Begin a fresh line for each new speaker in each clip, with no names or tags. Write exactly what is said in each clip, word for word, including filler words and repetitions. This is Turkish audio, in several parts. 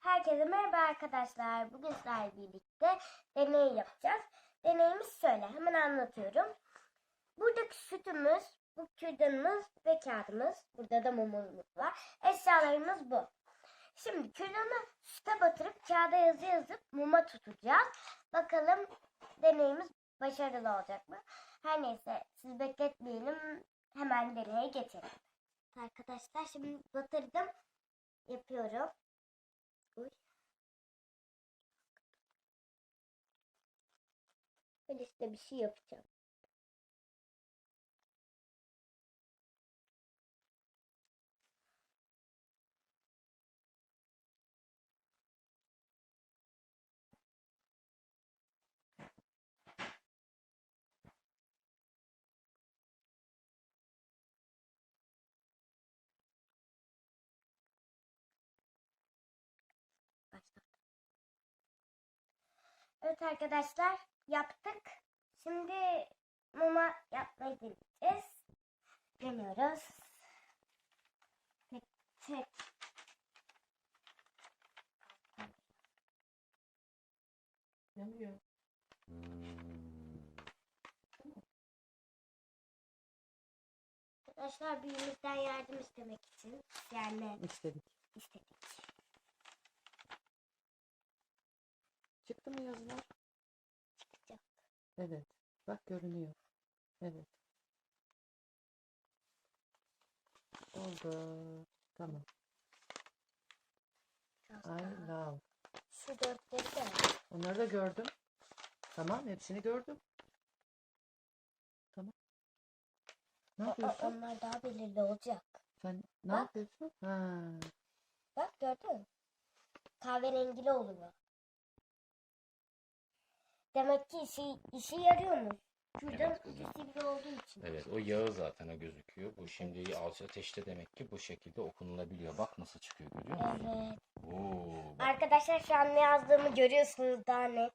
Herkese merhaba arkadaşlar. Bugün sizlerle birlikte deney yapacağız. Deneyimiz şöyle. Hemen anlatıyorum. Buradaki sütümüz, bu kürdanımız ve kağıdımız. Burada da mumumuz var. Eşyalarımız bu. Şimdi kürdanı süte batırıp kağıda yazı yazıp muma tutacağız. Bakalım deneyimiz başarılı olacak mı? Her neyse siz bekletmeyelim. Hemen deneye geçelim. Arkadaşlar şimdi batırdım. Yapıyorum. Uy. Ben işte bir şey yapacağım. Başla. Evet arkadaşlar yaptık. Şimdi muma yapmayı deneyeceğiz. Deniyoruz. Tek tek.
Yanıyor.
Arkadaşlar büyüğümüzden yardım istemek için yani
İstedik.
istedik.
Çıktı mı yazılar?
Çıkacak.
Evet. Bak görünüyor. Evet. Oldu. Tamam.
Biraz
I
daha.
love.
Şu dörtleri de.
Onları da gördüm. Tamam. Hepsini gördüm. Tamam. Ne
O- o-
yapıyorsun?
onlar daha belirli olacak.
Sen ne
Bak.
yapıyorsun? Ha.
Bak gördün mü? Kahverengili oluyor. Demek ki işi, işi yarıyormuş. Kürdan
Evet,
ucu
kızım.
sivri olduğu için.
Evet, o yağı zaten o gözüküyor. Bu şimdi alçı ateşte demek ki bu şekilde okunulabiliyor. Bak nasıl çıkıyor, görüyor musun?
Evet.
Oo, bak.
Arkadaşlar şu an ne yazdığımı görüyorsunuz daha net.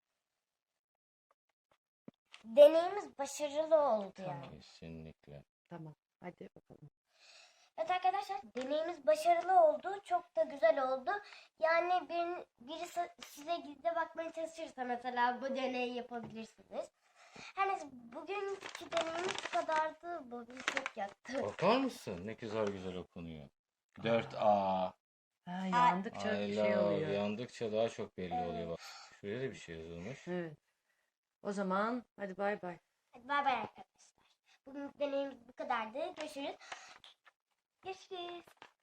Deneyimiz başarılı oldu yani.
Kesinlikle.
Tamam. Hadi bakalım.
Evet arkadaşlar deneyimiz başarılı oldu. Çok da güzel oldu. Yani bir, birisi size gizli bakmaya çalışırsa mesela bu deneyi yapabilirsiniz. Her neyse bugünkü deneyimiz bu kadardı. Bugün çok yattı.
Bakar mısın? Ne güzel güzel okunuyor. dört A.
Ha, yandıkça
I
bir şey
love.
oluyor.
Yandıkça daha çok belli
Evet.
oluyor. Bak. Şuraya da bir şey yazılmış.
Evet. O zaman hadi bay bay.
Hadi bay bay arkadaşlar. Bugün deneyimiz bu kadardı. Görüşürüz. Görüşürüz.